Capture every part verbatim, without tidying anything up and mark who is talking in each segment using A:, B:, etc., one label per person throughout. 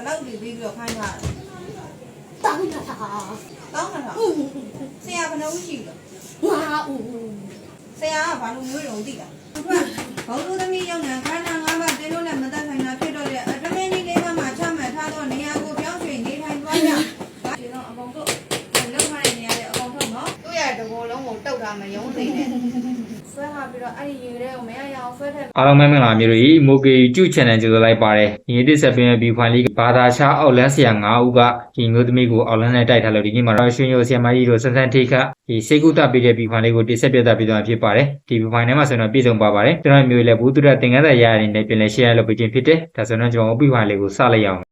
A: လောက်တွေပြီးပြီးတော့ခိုင်းထားတယ်
B: တောင်းတာ
A: တောင်းတာဆရာဘယ်နှဦးရှိလဲ
B: ငါဦး
A: ဆရာကဘာလို့မျိုးရုံသိတာဘောလူသမီးရောက်နေခန္ဓာ၅ပါးတင်းလို့လည်းမတတ်နိုင်တာဖြစ်တော့တဲ့အတမင်းကြီးလေးပါးမှာချမှတ်ထားတော့နေရာကိုပြောင်းရွှေ့နေထိုင်သွားကြဒီတော့အကုန်တို့လောက်ထားတဲ့နေရာတွေအကုန်ထုတ်နော်သူ့ရဲ့တဘောလုံးကိုတုတ်ထားမယုံသိနေဆွဲထားပြီးတော့အဲ့ဒီရေထဲကိုမရရအောင်ဆွဲထည့်
C: အားလုံးပဲမင်္ဂလာမျိုးတွေမိုကေကျူ channel ကြိုဆိုလိုက်ပါတယ်ဒီနေ့တစ်ဆက်ပင်ဗီဖိုင်လေးဘာသာခြားအောက်လန်းဆရာ၅ဦးကဒီမျိုးသမီးကိုအောက်လန်းနဲ့တိုက်ထားလို့ဒီနေ့မှာတော့ရွှေရိုဆရာမကြီးတို့ဆန်းဆန်းထိခတ်ဒီစေကုသပေးတဲ့ဗီဖိုင်လေးကိုတိဆက်ပြသပေးသွားဖြစ်ပါတယ်ဒီဗီဖိုင်ထဲမှာဆိုတော့ပြည့်စုံပါပါတယ်ကျွန်တော်မျိုးလည်းဘူးသူရသင်္ကန်းစာရရတဲ့ပြင်လဲ share လုပ်ပေးခြင်းဖြစ်တယ်ဒါဆိုတော့ကျွန်တော်ဗီဖိုင်လေးကိုစလိုက်ရအောင်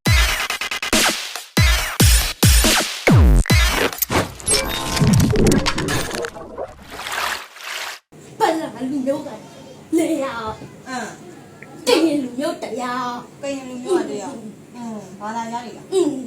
B: လူမျိုးကလေရ
A: အင်း
B: ကရင်လူမျိုးတရား
A: ကရင်လူမျိုးတရားအင်းဘာသာရည်လား
B: အင်း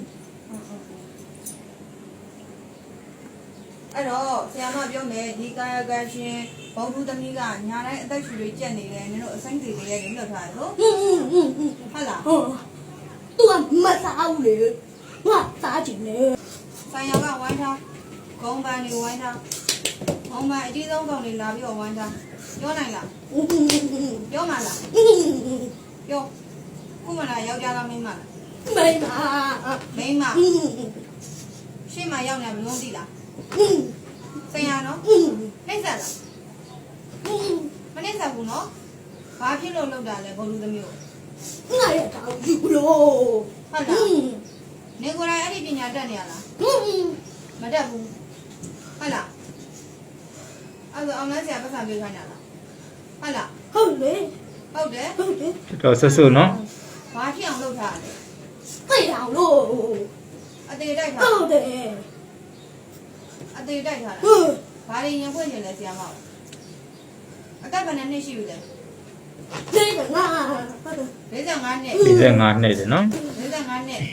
A: အဲ့တော့ဆရာမပြောမယ်ဒီကာယကရှင်ဘုံသူသမီးကညာတိုင်းအသက်ရှူတွေကြက်နေတယ်နင်တို့အစိမ့်စီလေးရဲ့လွတ်ထားတယ်လို့
B: အင်းအင်းအင်း
A: ဟုတ်လား
B: ဟုတ်သူကမစားဘူးလေငါစားကြည့်နေ
A: ဆိုင်ရောကဝိုင်းထားဂုံပန်းတွေဝိုင်းထားဂုံပန်းအကြီးဆုံးကောင်တွေလာပြီးတော့ဝိုင်းထားပြောနိုင်လားပြောမှာလားပြောခုမှလာယောက်ျားလားမိန်းမလား
B: မိန်းမ
A: မိန်းမရှေ့မှာရောက်နေမလို့သိလားဆရာနော်နှိမ့်ဆက်လားမနှိမ့်ဆက်ဘူးနော်ဘာဖြစ်လို့လောက်တာလဲဘုံလူသမီးကို
B: ငါရတော့ယူလို့
A: ဟုတ်လားနေကိုယ်တိုင်အဲ့ဒီပညာတတ်နေရလားမတတ်ဘူးဟုတ်လားအဲ့ဒါအောင်လန်းဆရာပတ်စံပြေးခိုင်းတာလားဟုတ်လား
B: ဟုတ်လေ
A: ဟုတ်တယ်
B: ဟုတ်တယ်
C: တော်ဆွဆွနော်
A: ဘာဖြစ်အောင်လုပ်ထားလဲ
B: သိအောင်လို့
A: အသေးတိုက်ထား
B: ဟုတ်တယ်
A: အသေးတိုက်ထားလား
B: ဟုတ်
A: ဘာတွေရင်ဖွင့်နေလဲဆရာမအကပ်ဘယ်နှစ်ရှိပြီလဲ
B: လေးကငါ
A: လေးဆယ်ငါနှစ်
C: လေးဆယ်ငါနှစ်တယ်နော်
A: လေးဆယ်ငါနှစ်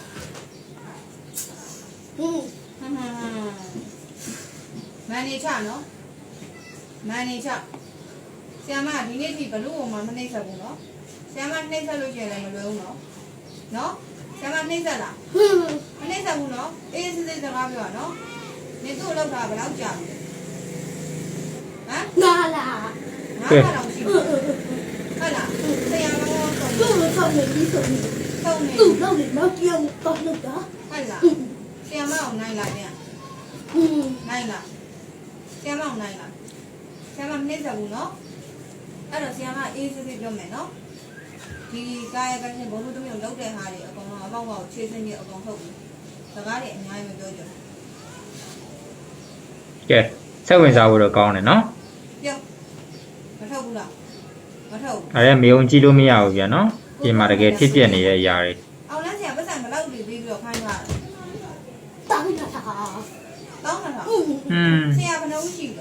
B: ဟင်း
A: ဟမ်ဟမ်မန်နေချနော်မန်နေချဆရာမဒီနေ့ထိဘလို့မှမနှိမ့်ဆက်ဘူးနော်ဆရာမနှိမ့်ဆက်လို့ရှိရင်လည်းမလွယ်ဘူးနော်နော်ဆရာမနှိမ့်ဆက်လားမနှိမ့်ဆက်ဘူးနော်အေးစစ်စစ်စကားပြောနော်နေသူ့လောက်တာဘယ်လောက်ကြာပြီဟမ်
B: ငါလား
A: ငါကတော့ရှိဘူးဟုတ်လားဆရာမတော့
B: သူ့လိုဆောက်နေပြီးဆိုရင်
A: ဆုံးနေ
B: သူ့လောက်နေတော့ပြောင်းတော့လို့တာ
A: ဟုတ်လားဆရာမအောင်နိုင်လားပြန်
B: อืม
A: နိုင်လားဆရာမအောင်နိုင်လားဆရာမမနှိမ့်ဆက်ဘူးနော်အဲ့တော့ဆရာမအေးစစ်စစ်ပြောမယ်နော်ဒီကာယကံရှင်ဘုံလူသမီးကိုလောက်တဲ့ဟာတွေအကုန်လုံးအပေါက်ပေါက်ခြေစင်းကြီးအကုန်ထုတ်ပြီးစကားတွေအများကြီးမပြောကြဘူး
C: ကဲဆက်ဝင်စားဖို့တော့ကောင်းတယ်နော်
A: ပြောမထုတ်ဘူးလားမထုတ်ဘူး
C: အဲ့ဒါမေုံကြည့်လို့မရဘူးဗျာနော်ဒီမှာတကယ်ဖြစ်ပြနေတဲ့အရာတွေ
A: အောင်လန်းဆရာပတ်စံဘယ်လောက်ပြီးပြီးတော့ခိုင်းထားတယ်
B: တောင်းတာ
A: တောင်းတာ
C: อืม
A: ဆရာဘယ်နှဦးရှိလဲ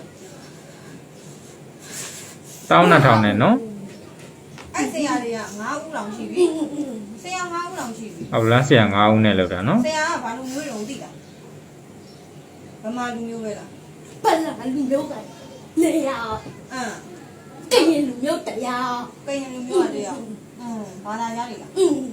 C: တောင်းနှစ်ထောင်နဲ့နော်
A: အဲ့ဆရာတွေက၅ဦးလောင်ရှိပြီဆရာ၅ဦးလောင်ရှိပြီ
C: အော်လန်းဆရာ၅ဦးနဲ့လောက်တာနော်
A: ဆရာကဘာလူမျိုးရုံသိလားဗမာလူမျိုးပဲလား
B: ပလန်လူမျိုးကလေရ
A: အင်း
B: ကရင်လူမျိုးတရား
A: ကရင်လူမျိုးတရားအင်းဘာသာရည်လား
B: အင်း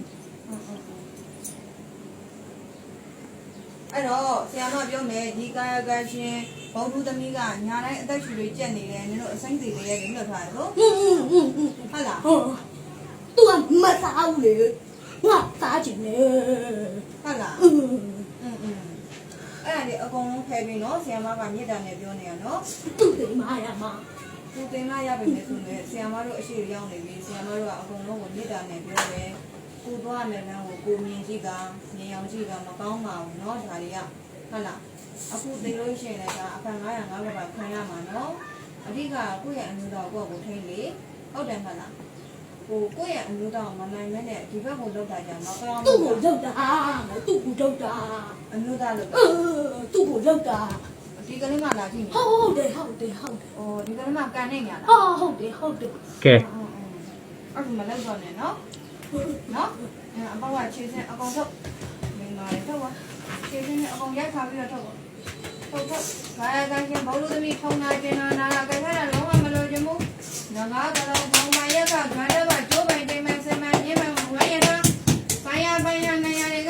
A: အဲ့တော့ဆရာမပြောမယ်ဒီကာယကံရှင်ဘုံသူသမီးကညာတိုင်းအသက်ရှူတွေကြက်နေတယ်နင်တို့အစိမ့်စီလေးရဲ့လွတ်ထားတယ်လို့
B: อืมอืม
A: ဟုတ်လား
B: ဟုတ်သူကမစားဘူးလေငါစားကြည့်နေ
A: ဟုတ်လား
B: อืม
A: อืมအဲ့ဒါလေအကုန်လုံးဖယ်ပြီးနော်ဆရာမကမြေတာနဲ့ပြောနေရနော်
B: သူ့တင်မရမှာ
A: သူတင်မရပြီလေဆိုရင်ဆရာမတို့အရှိရောက်နေပြီဆရာမတို့ကအကုန်လုံးကိုမြေတာနဲ့ပြောတယ်ကိုသွားမယ်နော်ကိုမြင်ကြည့်ကမြင်အောင်ကြည့်ကမကောင်းပါဘူးเนาะဒါတွေကဟုတ်လားအခုသိလို့ရှိရင်လည်းဒါအဖန်905ကပါခံရမှာเนาะအဓိကကိုယ့်ရဲ့အမျိုးသားကိုယ့်ကိုထိန်းလေဟုတ်တယ်မဟုတ်လားကိုကိုယ့်ရဲ့အမျိုးသားကိုမနိုင်မဲနဲ့ဒီဘက်ကိုလောက်တာကြမှာကောင်း
B: သူ့ကိုလောက်တာသူ့ကိုလောက်တာ
A: အမျိုးသားလောက်
B: အင်းသူ့ကိုလောက်တာ
A: ဒီကလေးမှလာကြည့်နေ
B: ဟုတ်တယ်ဟုတ်တယ်ဟုတ်တယ်
A: အော်ဒီကလေးမှကန်နေညာလား
B: အော်ဟုတ်တယ်ဟုတ်တယ်
C: ကဲ
A: အဲ့ဒါမလောက်တော့နဲ့เนาะနော်အပေါက်ကခြေစင်းအကောင်ထုတ်မိန်းမလေးထုတ်ပါခြေစင်းနဲ့အကောင်ရိုက်ခါပြီးတော့ထုတ်ပါထုတ်ထုတ်ဘာရကရှင်ဘုံလူသမီးထုံနာကျင်နာနာလာကြခဲ့တာလုံးဝမလို့ချင်ဘူးငါငါကတော့ဘုံမရက်ကခါတော့ကကျိုးပိုင်တိမ်မဆင်မညင်းမဝဲရတာဘာရဘာရနေရတဲ့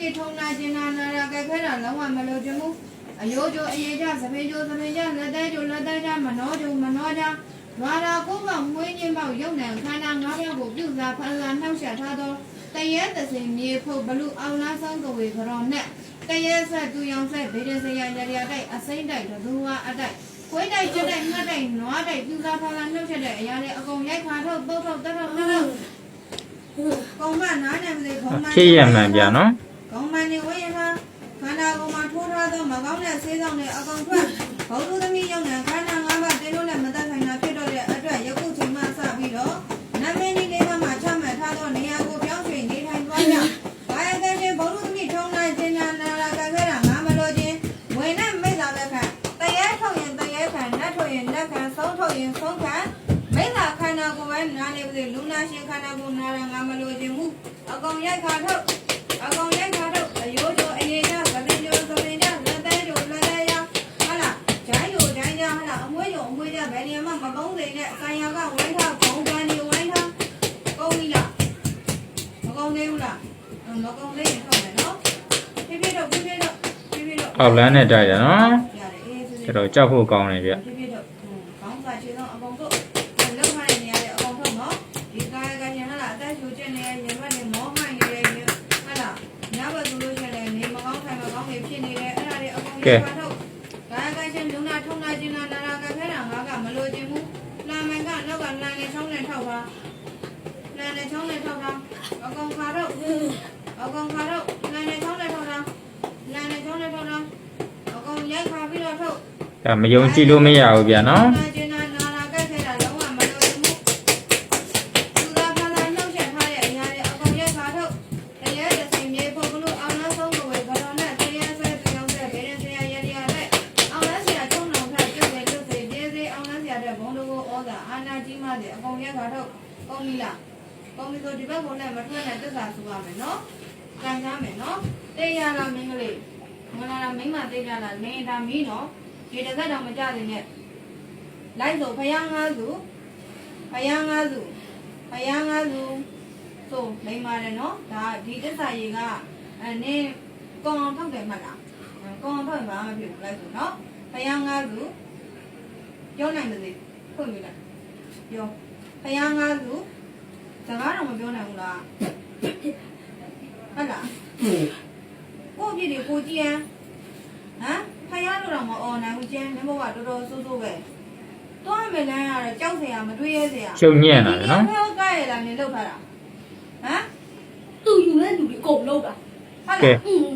A: မိထုံနာကျင်နာနာရာကဲခဲတာလုံးဝမလို့ခြင်းဘူးအယိုးကျိုးအရေးကြသဖေးကျိုးသဖေးကြလက်သေးကျိုးလက်သေးကြမနှောကျိုးမနှောကြဝါရာကိုကမွေးခြင်းပေါက်ရုပ်နံခန္ဓာ၅ပါးကိုပြုစားဖန်စားနှောက်ယှက်ထားသောတရဲသစင်မြေဖို့ဘလူအောင်လားဆောင်ကဝေကြောနဲ့တရဲဆက်သူရောင်ဆက်ဗေဒစရာရရတိုက်အစိမ့်တိုက်ဒူဝါအတိုက်ခွေးတိုက်ချက်တိုက်ငှက်တိုက်နွားတိုက်ပြုစားဖန်စားနှောက်ယှက်တဲ့အရာတွေအကုန်ရိုက်ခါထုတ်ပုတ်ထုတ်တက်ထုတ်နှောက်ကောင်းမနားနဲ့မလေးကောင်းမ
C: ဖြစ်ရမှန်ဗျာနော်
A: ကောင်းမနေဝေးဟာခန္ဓာကိုယ်မှာထိုးထားသောမကောင်းတဲ့ဆေးဆောင်တွေအကောင်ထွက်ဘုဒ္ဓသမီးရောက်တဲ့ခန္ဓာ၅ပါးတင်းလို့လည်းမသက်ဆိုင်တာဖြစ်တော့တဲ့အတွက်ယခုချိန်မှစပြီးတော့နမင်းကြီးလေးမှာချမှတ်ထားသောနေရာကိုပြောင်းရွှေ့နေထိုင်သွားကြ။ဘာယကချင်းဘုဒ္ဓသမီးထုံနိုင်ခြင်းနာနာလာကခဲတာငါမလို့ချင်းဝေနဲ့မိစ္ဆာပဲခံတရဲထုတ်ရင်တရဲခံနတ်ထုတ်ရင်နတ်ခံဆုံးထုတ်ရင်ဆုံးခံမိစ္ဆာခန္ဓာကိုယ်ပဲနာနေပြီလူနာရှင်ခန္ဓာကိုယ်နာရငါမလို့ချင်းမှုအကောင်ရိုက်ခါထုတ်အကောင်ရိုက်ခါထုတ်အယိုးကျိုးအေးကြသတိကျိုးသတိကြလက်သေးကျိုးလက်သေးရဟာလားဂျိုင်းကျိုးဂျိုင်းကြဟာလားအမွှေးကျိုးအမွှေးကြဘယ်နေမှာမကုန်းစိနဲ့ဆံရကဝိုင်းထားဘုံကန်ဒီဝိုင်းထားကုန်းပြီလားမကုန်းသေးဘူးလားမကုန်းသေးရင်ထုတ်မယ်နော်ဖြည်းဖြည်းတော့ဖြည်းဖြည်းတော့ဖြည်းဖြည်းတော့
C: အောက်လမ်းနဲ့တိုက်တယ်နော်
A: ရတယ်အေးစစ်
C: ကျတော့ကြောက်ဖို့ကောင်းတယ်ဗျ
A: ဖြည်းဖြည်းတော့ခေါင်းစာခြေဆုံးအကုန်ထုတ်လောက်ထားတဲ့နေရာတွေအကုန်ထုတ်နော်ဒီကာယကညဟာလားအသက်ရှူချက်နေရင်ဘက်နေမောဟိုင်းနေတယ်ဟာလားညဘက်ဆိုလို့ရှိရင်နေမကောင်းထိုင်မကောင်းနေဖြစ်နေတယ်အဲ့ဒါတွေအကုန်ရပါထုတ်ကာယကချင်းလူနာထုံနာချင်းနာနာရာကခဲတာငါကမလို့ခြင်းဘူးနာမန်ကနောက်ကလမ်းနဲ့ချောင်းနဲ့ထောက်ပါလမ်းနဲ့ချောင်းနဲ့ထောက်တာအကောင်ခါတော့အကောင်ခါတော့လမ်းနဲ့ချောင်းနဲ့ထောက်တာလမ်းနဲ့ချောင်းနဲ့ထောက်တာအကောင်ရိုက်ခါပြီးတော့ထုတ်
C: ဒါမယုံကြည်လို့မရဘူးဗျာနော်
A: နာကျင်နာနာရာကခဲတာလုံးဝမလို့ခြင်းဘူးသူသာဖလာနှောက်ချက်ထားတဲ့အရာတွေအကောင်ရိုက်ခါထုတ်တရားတစ်စင်မြေဖို့ဘလို့အောင်နောက်ဆုံးကိုဝေဘာတော်နဲ့တရားဆွဲပြောင်းတဲ့ဗေဒဆရာရရတဲ့အောင်လန်းဆရာချုံတော်ဖတ်ပြုတ်တယ်ပြုတ်တယ်ကျေးဇူးအောင်လန်းဆရာတဲ့ဘုံတော်ကိုဩဇာအာနာကြီးမှတဲ့အကောင်ရိုက်ခါထုတ်ကောင်းပြီလားကောင်းပြီဆိုဒီဘက်ကိုလည်းမထွက်နဲ့တက်စာဆိုရမယ်နော်ကြံကြမယ်နော်တေးရလားမင်းကလေးမလာလားမိမတေးရလားမင်းဒါမီးနော်ဒီတစ်သက်တော့မကြသေးနဲ့လိုက်ဆိုဖယားငါးစုဖယားငါးစုဖယားငါးစုဆိုလိမ့်ပါတယ်နော်ဒါဒီတက်စာရေကအဲနင်းကောင်းအောင်ထုတ်တယ်မှတ်လားကောင်းအောင်ထုတ်ရင်ဘာမှမဖြစ်ဘူးလိုက်ဆိုနော်ဖယားငါးစုပြောနိုင်မသေးဖွင့်ပြလိုက်ပြောဖယားငါးစုစကားတော့မပြောနိုင်ဘူးလားဟုတ်လားကိုကြည့်ဒီကိုကြည့်ရန်ဟမ်ဖယားလို့တော့မအော်နိုင်ဘူးကျင်းမင်းဘကတော်တော်ဆိုးဆိုးပဲတွားမယ်လမ်းကတော့ကြောက်စရာမတွေးရဲစရာ
C: ရှုံညံ့တာလေနော်
A: ဟောကရလာနေလောက်ထားတာဟမ်
B: သူ့ယူတဲ့လူတွေအကုန်လုံးတာ
A: ဟုတ်
C: ကဲ
A: လား
B: อืม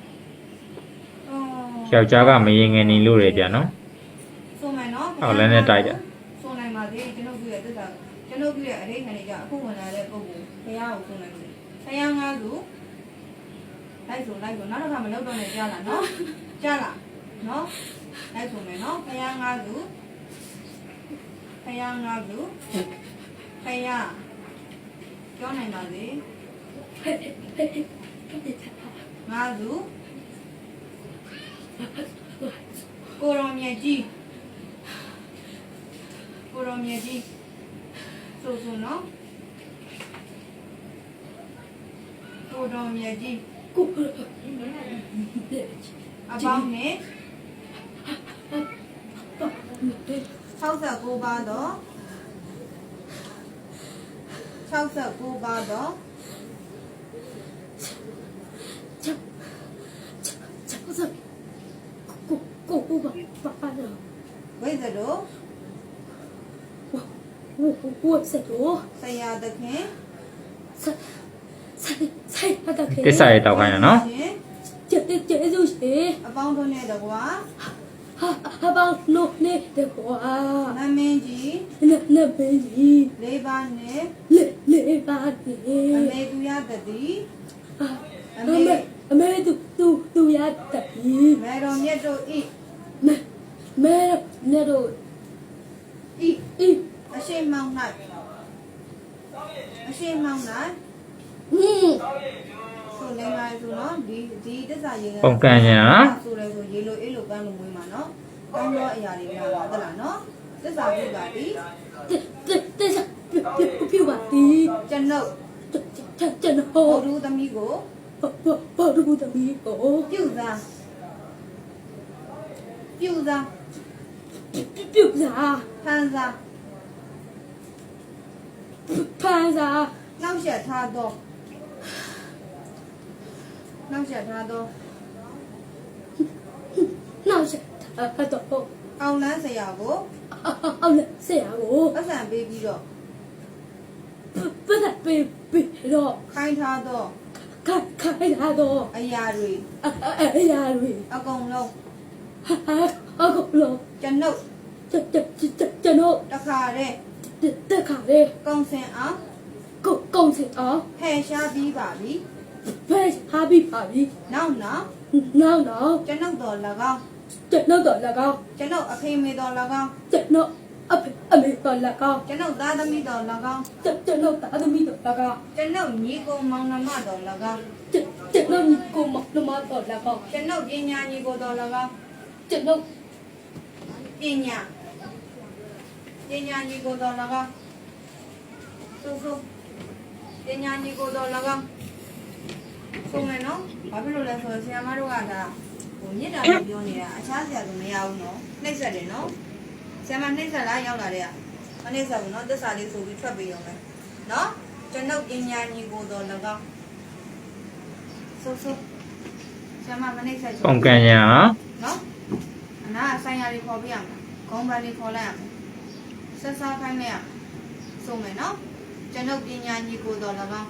C: ယောက်ျားကမရင်ငယ်နေလို့ရဗျာနော်
A: ဆိုမယ်နော်
C: အောက်လမ်းနဲ့တိုက်တယ်
A: ဆိုနိုင်ပါသေးကျွန်တော်ပြရဲ့တက်တာကျွန်တော်ပြရဲ့အရေးခံနေကြအခုဝင်လာတဲ့ပုံကိုဖယားကိုဆိုနိုင်တယ်ဖယားငါးစုလိုက်ဆိုလိုက်ဆိုနောက်တစ်ခါမလောက်တော့နဲ့ကြားလားနော်ကြားလားနော်လိုက်ဆိုမယ်နော်ဖယားငါးစုဖယားငါးစုဖယားပြောနိုင်ပါသေးငါးစုကိုရောမြကြီးကိုရောမြကြီးဆိုဆိုနော်ကိုရောမြကြီး
B: ကို
A: အပေါင်းနဲ့၆၉ပါးတော့၆၉ပါးတော့
B: ကိုကိုကိုပါပါတော့
A: ဝိဇ္ဇတို့
B: ဝဝဝစတော့
A: ဆရာသခင်
B: ဆက်ဆက်ဆက်အတခေ
C: တစ္ဆာရဲ့တောက်ခိုင်းတာနော်
B: ကျေကျေစုရှိ
A: အပေါင်းတို့နဲ့တကွာ
B: ဟာဟာပေါနို့နေတကွာ
A: နမင်းကြီး
B: နနဘေးကြီး
A: လေးပါးနဲ့
B: လေလေပါတီ
A: အမေသူရတတိ
B: အမေအမေသူသူသူရတပြီ
A: မေတော်မြတ်တို့ဤ
B: မဲမဲနေတော့
A: ဤ
B: ဤ
A: အရှိမောင်း၌အရှိမောင်း၌
B: ဟင်း
A: ဆိုလိမ့်ပါဆိုနော်ဒီဒီတစ္ဆာရေက
C: ပုံကန်ညာနော်
A: ဆိုတယ်ဆိုရေလိုအေးလိုကန်းလိုမွေးမှာနော်ကန်းတော့အရာတွေများပါသလားနော်တစ္ဆာပြုပါပြီ
B: တဲ့တဲ့ပြပြပါတီ
A: ကျွန်ုပ်
B: ကျွန်တော်
A: ဘုဒ္ဓသမီးကို
B: ဘဘာတို့သမီးကို
A: ပြုတ်သားပြုတ်သား
B: ပြုတ်စား
A: ဖန်သား
B: ဖန်စား
A: နောက်ဆက်ထားတော့နောက်ဆက်ထားတော့
B: နောက်ဆက်တော့
A: အောင်လန်းဆရာကို
B: အောင်လေဆရာကို
A: ပတ်စံပေးပြီးတော့
B: ပတ်သက်ပေးပြီးတော့
A: ခိုင်းထားတော့
B: ခိုင်ခိုင်လာတော့
A: အရာတွေ
B: အရာတွေ
A: အကုန်လုံး
B: အခုလော
A: ကျွန်ုပ်
B: ကျွန်ကျွန်တော်
A: တခါတည်း
B: တက်ခါလေး
A: ကုံစင်အောင်
B: ကိုကုန်းစင်အောင်
A: ဖယ်ရှားပြီးပါပြီ
B: ဖဲဟာပြီးပါပြီ
A: နောက်နောက်
B: နောက်တော့
A: ကျွန်ုပ်တော်၎င်း
B: ကျွန်တော်တော့၎င်း
A: ကျွန်ုပ်အဖေမေတော်၎င်း
B: ကျွန်တော်အဖေအမေတော်၎င်း
A: ကျွန်ုပ်သားသမီးတော်၎င်း
B: ကျွန်တော်သားသမီးတော်၎င်း
A: ကျွန်ုပ်ညီကိုမောင်နှမတော်၎င်း
B: ကျွန်တော်ကိုမနမတော်၎င်း
A: ကျွန်ုပ်ပညာညီကိုတော်၎င်း
B: ကျွန်တော်
A: ပညာပညာညီကိုတော်၎င်းဆိုဆိုပညာညီကိုတော်၎င်းဆိုမယ်နော်ဘာဖြစ်လို့လဲဆိုတော့ဆရာမတို့ကဒါဟိုမြစ်တာကိုပြောနေတာအခြားဆရာကမရဘူးနော်နှိမ့်ဆက်တယ်နော်ဆရာမနှိမ့်ဆက်လားရောက်လာတဲ့ကမနှိမ့်ဆက်ဘူးနော်သစ္စာလေးဆိုပြီးထွက်ပြီးရုံပဲနော်ကျွန်ုပ်ပညာညီကိုတော်၎င်းဆိုဆိုဆရာမမနှိမ့်ဆက်ချင်
C: ပုံကန်ညာ
A: နော်အနာဆိုင်ရာလေးခေါ်ပြရမယ်ဂုံးပန်းလေးခေါ်လိုက်ရမယ်ဆက်စားခိုင်းလိုက်ရမယ်ဆိုမယ်နော်ကျွန်ုပ်ပညာညီကိုတော်၎င်း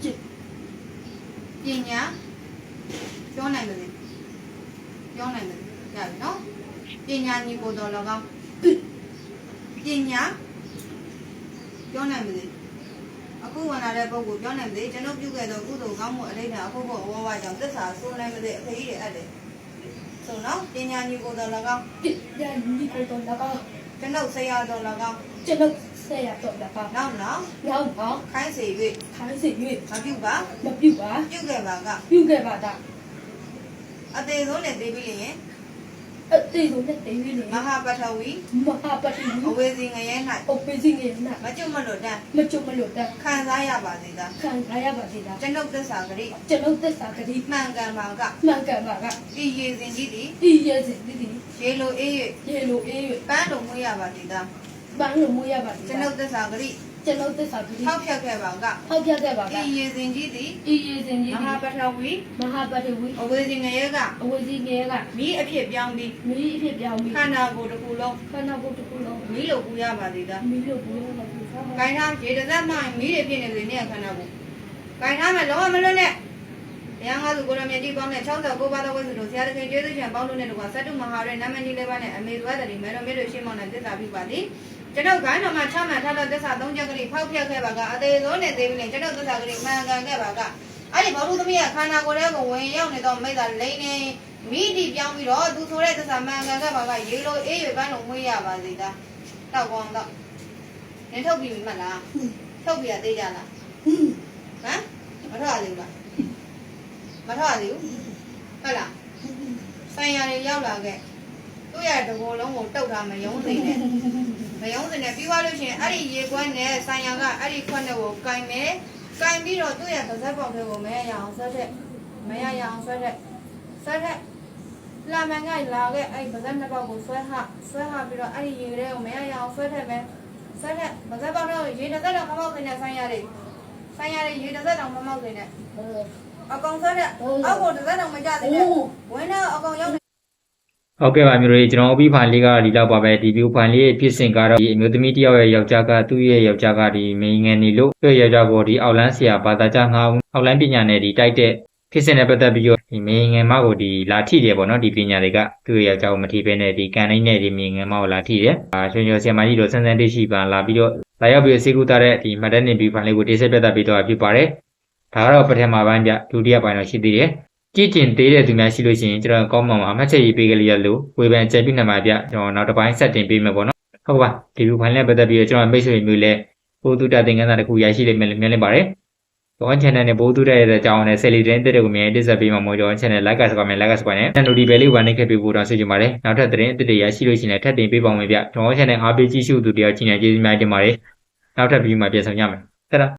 A: ပညာပြောနိုင်တယ်ပြောနိုင်တယ်ရပြီနော်ပညာညီကိုတော်၎င်းပညာပြောနိုင်တယ်အခုဝင်လာတဲ့ပုဂ္ဂိုလ်ပြောနိုင်တယ်ကျွန်ုပ်ပြုခဲ့သောကုသိုလ်ကောင်းမှုအလေးထားအခုဘုအဝဝကြောင့်သစ္စာဆိုးနိုင်မတဲ့အဖေကြီးတွေအပ်တယ်ဆိုနော်ပညာညီကိုတော်၎င်း
B: ပညာညီကိုတော်၎င်း
A: ကျွန်ုပ်ဆရာတော်၎င်း
B: ကျွန်တော်ဆရာတော်၎င်း
A: နောက်နောက်
B: နောက်တော့
A: ခိုင်းစေ၍
B: ခိုင်းစီ၍
A: မပြုပါ
B: မပြုပါ
A: ပြုခဲ့ပါက
B: ပြုခဲ့ပါတာ
A: အသေးဆုံးနဲ့သိပြီးရင်
B: အတေးဆုံးနဲ့တေးပြီးနေ
A: မဟာပထဝီ
B: မဟာပတိ
A: အဝေစီငရဲ၌
B: အုပ်ပေးစီငယ်နာ
A: မကျွတ်မလွတ်တမ်း
B: မကြုံမလို့တ
A: ခံစားရပါစေသာ
B: ခံရရပါသေးတာ
A: ကျွန်ုပ်သစ္စာဂရိ
B: ကျွန်တော်သက်စာကတိ
A: မှန်ကန်ပါက
B: မှန်ကန်ပါက
A: ဤရေစဉ်ကြီးသည်
B: ဒီရဲ့စီဒီဒီ
A: ရေလိုအေး
B: ရေလိုအေး
A: ၍ပန်းလိုမွေးရပါစေသာ
B: ပန်းလိုမွေးရပါသေး
A: ကျွန်ုပ်သစ္စာဂရိ
B: ကျွန်တော်သက်စာကတိ
A: ထောက်ဖြတ်ခဲ့ပါက
B: ဟောက်ပြခဲ့ပါက
A: ဤရေစဉ်ကြီးသည်
B: ဒီရေစဉ်ကြီး
A: မဟာပထဝီ
B: မဟာပတိဝီ
A: အဝေစီငရဲကအ
B: ဝေစီငယ်က
A: မိအဖြစ်ပြောင်းပြီး
B: မီးအဖြစ်ပြောင်းပြီး
A: ခန္ဓာကိုယ်တစ်ခုလုံး
B: ခန္ဓာကိုယ်တစ်ခုလုံး
A: မိလိုပူရပါစေသာ
B: မီးလို့ဘူးလို့ပြောတာ
A: ။ဂိုင်းထားရေတစ်သက်မှမိတွေဖြစ်နေလေနဲ့ခန္ဓာကိုယ်။ဂိုင်းထားမယ်လုံးဝမလွတ်နဲ့။တရားငါးစုကိုရမြေကြီးပေါင်းနဲ့၆၉ပါးသောဝိသုတို့ဆရာတခင်ကျေးဇူးရှင်ပေါင်းလို့နဲ့တကွာသတ္တုမဟာရဲ့နာမည်ကြီးလေးပါးနဲ့အမေသွဲတည်းမဲတော်မေတို့ရှင်းမောင်းနဲ့သစ္စာပြုပါသည်။ကျွန်ုပ်ဂိုင်းတော်မှာချမှတ်ထားသောသစ္စာသုံးချက်ကလေးဖောက်ဖျက်ခဲ့ပါကအသေးစိုးနဲ့သေးပြီးနဲ့ကျွန်ုပ်သစ္စာကလေးမှန်ကန်ခဲ့ပါကအဲ့ဒီဘောဓုသမီးကခန္ဓာကိုယ်ထဲကိုဝင်ရောက်နေတော့မိသားလိမ့်နေမိတိပြောင်းပြီးတော့သူဆိုတဲ့သစ္စာမှန်ကန်ခဲ့ပါကရေလိုအေးရွယ်ပန်းလုံးမွေးရပါစေသား။တောက်ကောင်းတော့နင်ထုတ်ပြီးမှတ်လား။ထုတ်ပြီးရသေးကြလားဟမ်မထွက်ရသေးဘူးလားမထွက်ရသေးဘူးဟုတ်လားဆိုင်ရတွေရောက်လာခဲ့သူ့ရတဘောလုံးကိုတုတ်ထားမယုံစိနဲ့မယုံစိနဲ့ပြီးသွားလို့ရှိရင်အဲ့ဒီရေခွက်နဲ့ဆိုင်ရကအဲ့ဒီခွက်နဲ့ကိုကင်မယ်ကင်ပြီးတော့သူ့ရပါဇက်ပေါက်တွေကိုမရရအောင်ဆွဲတဲ့မရရအောင်ဆွဲတဲ့ဆွဲတဲ့လာမန်ကလာခဲ့အဲ့ပါဇက်နှစ်ပေါက်ကိုဆွဲဟဆွဲဟပြီးတော့အဲ့ဒီရေတွေကိုမရရအောင်ဆွဲထည့်မယ်ဆွဲတဲ့ပါဇက်ပေါက်တော့ရေတစ်သက်တော့မမောက်နေတဲ့ဆိုင်ရတွေဆိုင်ရတွေရေတစ်သက်တော့မမောက်နေတဲ့ အကောင်ဆွဲတဲ့အောက်ကိုတစ်သက်တော့မကြသေးနဲ့ဝင်းတော့အကောင်ရောက်
C: ဟုတ်ကဲ့ပါမျိုးတွေကျွန်တော်အပြီးဖိုင်လေးကဒီလောက်ပါပဲဒီဗီဒီယိုဖိုင်လေးရဲ့ဖြစ်စဉ်ကတော့ဒီအမျိုးသမီးတယောက်ရဲ့ယောက်ျားကသူ့ရဲ့ယောက်ျားကဒီမိန်ငယ်နေလို့သူ့ရဲ့ယောက်ျားကိုဒီအောက်လန်းဆရာဘာသာကြားငါအောက်လန်းပညာနဲ့ဒီတိုက်တဲ့ဖြစ်စဉ်နဲ့ပတ်သက်ပြီးတော့ဒီမိန်ငယ်မကိုဒီလာထိတယ်ပေါ့နော်ဒီပညာတွေကသူ့ရဲ့ယောက်ျားကိုမထိဘဲနဲ့ဒီကန်တိုင်းနဲ့ဒီမိန်ငယ်မကိုလာထိတယ်အာရွှေရွှေဆရာမကြီးတို့ဆန်းဆန်းတိရှိပါလာပြီးတော့လာရောက်ပြီးစေကူတာတဲ့ဒီမတ်တက်နေဗီဒီယိုဖိုင်လေးကိုတိကျပြသပေးတော့ဖြစ်ပါတယ်ဒါကတော့ပထမပိုင်းပြဒုတိယပိုင်းတော့ရှိသေးတယ်ကြည့်ကျင်သေးတဲ့သူများရှိလို့ရှိရင်ကျွန်တော်ကောင်းမှမှာအမှတ်ချက်ရေးပေးကြရလို့ဝေဖန်ကြံပြနေမှာပြကျွန်တော်နောက်တစ်ပိုင်းဆက်တင်ပေးမယ်ပေါ့နော်ဟုတ်ပါဒီဗီဒီယိုဖိုင်လေးပတ်သက်ပြီးတော့ကျွန်တော်မိတ်ဆွေမျိုးလဲဘိုးတုတသင်္ကန်းစာတစ်ခုရရှိလိမ့်မယ်လို့မြင်နေပါတယ်ကျွန်တော် channel နဲ့ဘိုးတုတဲ့တဲ့အကြောင်းနဲ့ Sally တဲ့တဲ့ကိုမြင်တက်ဆက်ပေးမှာမို့ကျွန်တော် channel like စပါမယ် like စပါနဲ့ notification လေးဝင်နေခဲ့ပြီးပို့တော့ဆွေးကြပါတယ်နောက်ထပ်သတင်းအသစ်တွေရရှိလို့ရှိရင်ထပ်တင်ပေးပါဦးမယ်ဗျကျွန်တော် channel အားပေးကြည့်ရှုသူတယောက်ချင်းနဲ့ကျေးဇူးများတင်ပါတယ်နောက်ထပ်ဗီဒီယိုမှာပြန်ဆောင်ကြမယ်ဆက်တာ